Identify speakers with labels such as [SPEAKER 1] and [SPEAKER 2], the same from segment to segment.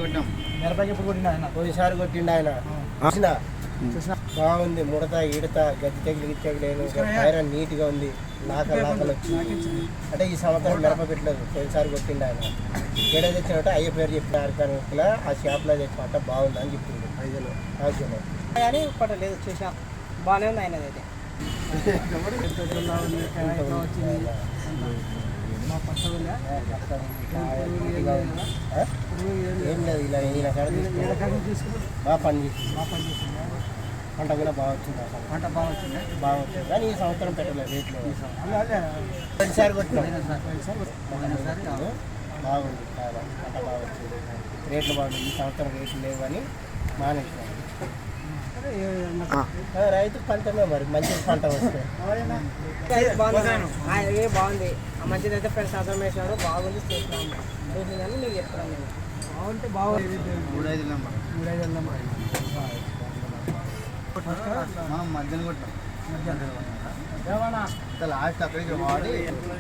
[SPEAKER 1] మిరపకి ఎప్పుడు కొట్టిండు ఆయన?
[SPEAKER 2] పోయినసారి కొట్టిండు ఆయన. చూసినా బాగుంది. ముడత ఈడత గడ్డి తెగులు గిట్టెగలేదు, ఐరన్ నీట్గా ఉంది. లాకలు వచ్చింది. అంటే ఈ సంవత్సరం మిరప పెట్టలేదు. పోయినసారి కొట్టిండు ఆయన. ఏడా తెచ్చినట్టు అయ్య పేరు చెప్పిన ఆర్గానిక్లో ఆ షాప్లో తెచ్చినట్ట బాగుంది అని చెప్పింది. 5
[SPEAKER 3] కానీ పట్టలేదు. చూసా బాగానే ఉంది ఆయనది అయితే.
[SPEAKER 2] ఏం లేదు, ఇలా ఈయన బాగా పని చేసింది. పంట కూడా బాగా వచ్చింది.
[SPEAKER 1] పంట బాగా వచ్చింది.
[SPEAKER 2] కానీ ఈ సంవత్సరం పెట్టలేదు రేట్లు. ప్రతిసారి కొట్టినాం. బాగుంది. పంట బాగా వచ్చింది. రేట్లు బాగుంది. ఈ సంవత్సరం రేట్లు లేవు అని మానేసినాం. రైతు పంటమే మరి మంచి పంట వస్తుంది.
[SPEAKER 3] బాగుంది. మంచిది అయితే ఫ్రెండ్స్ సంవత్సరం వేసినాడు. బాగుంది. చూసినాము మీకు చెప్తున్నాను. నేను బాగుంటే బాగుంది.
[SPEAKER 1] 3-5 మనం మధ్యలో కొట్టాం. లాస్ట్ అక్కడికి వాడి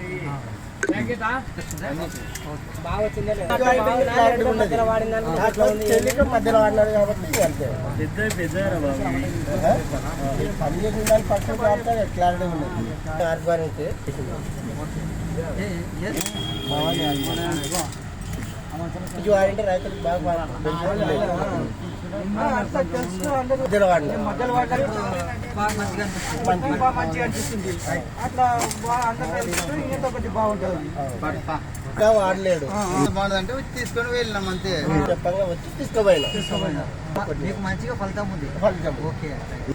[SPEAKER 3] బాగా వచ్చిందే.
[SPEAKER 2] మధ్యలో వాడినాడు కాబట్టి అంతే. పని చేసిన దాన్ని పక్కన వాడితే క్లారిటీ ఉన్నది. ఆర్గానిక్ ఇది వాడింటే రైతులకు బాగా మధ్యలో
[SPEAKER 3] మంచిగా అనిపిస్తుంది. అట్లా ఒకటి బాగుంటుంది.
[SPEAKER 2] ఇంకా వాడలేడు.
[SPEAKER 1] బాగుంటుంది అంటే తీసుకొని వెళ్ళినాం అంతే.
[SPEAKER 2] చెప్పంగా వచ్చి తీసుకోపోయినా.
[SPEAKER 1] మీకు మంచిగా ఫలితం ఉంది. ఓకే.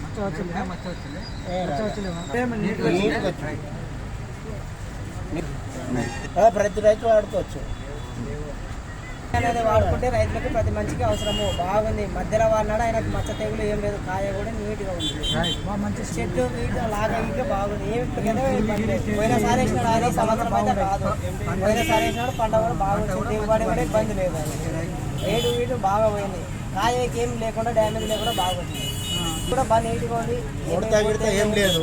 [SPEAKER 2] ప్రతి రైతు వాడుకోవచ్చు.
[SPEAKER 3] అనేది వాడుకుంటే రైతులకు ప్రతి మంచిగా అవసరము. బాగుంది. మధ్యలో వాడినాడు. ఆయనకు మచ్చ తెగులు ఏం లేదు. కాయ కూడా నీట్గా ఉంది. మంచి చెట్టు నీట్గా లాగా ఇంకా బాగుంది. పోయినసారి వేసినాడు. ఆయన సంవత్సరం అయితే కాదు. పోయినసారి వేసినాడు. పంట కూడా బాగుంది. దిగుబడి కూడా ఇబ్బంది లేదు. రేటు బాగా పోయింది. కాయకి ఏం లేకుండా డ్యామేజ్ లేకుండా బాగుంది. కూడా బాగా నీట్గా ఉంది.
[SPEAKER 2] ఏం లేదు.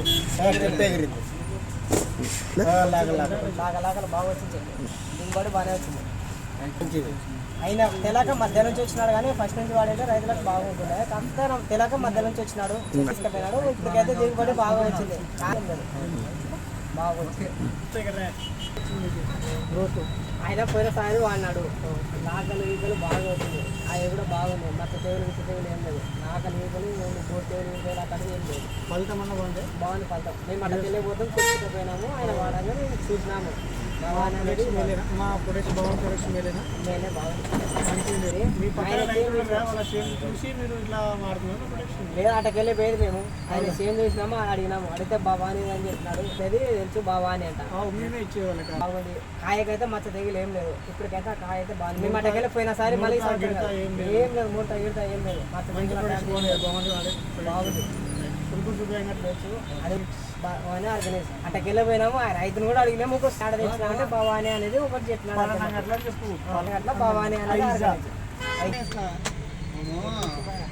[SPEAKER 3] లాగలు బాగా వచ్చింది. దిగుబడి బాగానే వచ్చింది. అయినా తెలక మధ్య నుంచి వచ్చినాడు. కానీ ఫస్ట్ నుంచి వాడైతే రైతులకు బాగుంటుండే. కాకపోతే తెలక మధ్య నుంచి వచ్చినాడు. తీసుకుపోయినాడు. ఇప్పటికైతే దిగుబడి బాగా వచ్చింది. బాగా వచ్చింది. ఆయన పోయినసారి వాడినాడు. నాకలు ఈకలు బాగా వచ్చింది. అవి కూడా బాగుంది. మచ్చ తెగులు విచ్చ తెగులు ఏం లేదు. నాకలు ఈకలు బోర్ తెగులు ఈకలు అక్కడ ఏం లేదు.
[SPEAKER 1] ఫలితం అన్న బాగుంది.
[SPEAKER 3] బాగుంది ఫలితం. మేము అక్కడికి వెళ్ళిపోతాం. తీసుకుపోయినాము. ఆయన వాడగా మేము చూసినాము.
[SPEAKER 1] మా ప్రొడక్ట్ బాగుంది. ప్రొడక్ట్ మేలేనా?
[SPEAKER 3] మేలే బాగుంది. లేదు అటకెళ్ళి పోయేది మేము. ఆయన సేమ్ చూసినాము. అడిగినాము. అడిగితే బాబాని అని చెప్పినాడు. అది తెలుసు బాబాని అంట. బాగుంది. కాయకైతే మచ్చ తెగిలి ఏం లేదు. ఇప్పటికైతే ఆ కాయ అయితే బాగుంది. మేము అటకెళ్ళి పోయినసారి మళ్ళీ ఏం లేదు. మూట ఈడతా ఏం లేదు. మచ్చ బాగుంది. అది బాగానే ఆర్గనైజ్. అట్టకెళ్ళి పోయినాము. ఆ రైతును కూడా అడిగినాము. ఒక స్టార్ట్ తెచ్చినామంటే భవానీ అనేది ఒకటి చెప్పినాడు. అట్లా భవానీ అనేది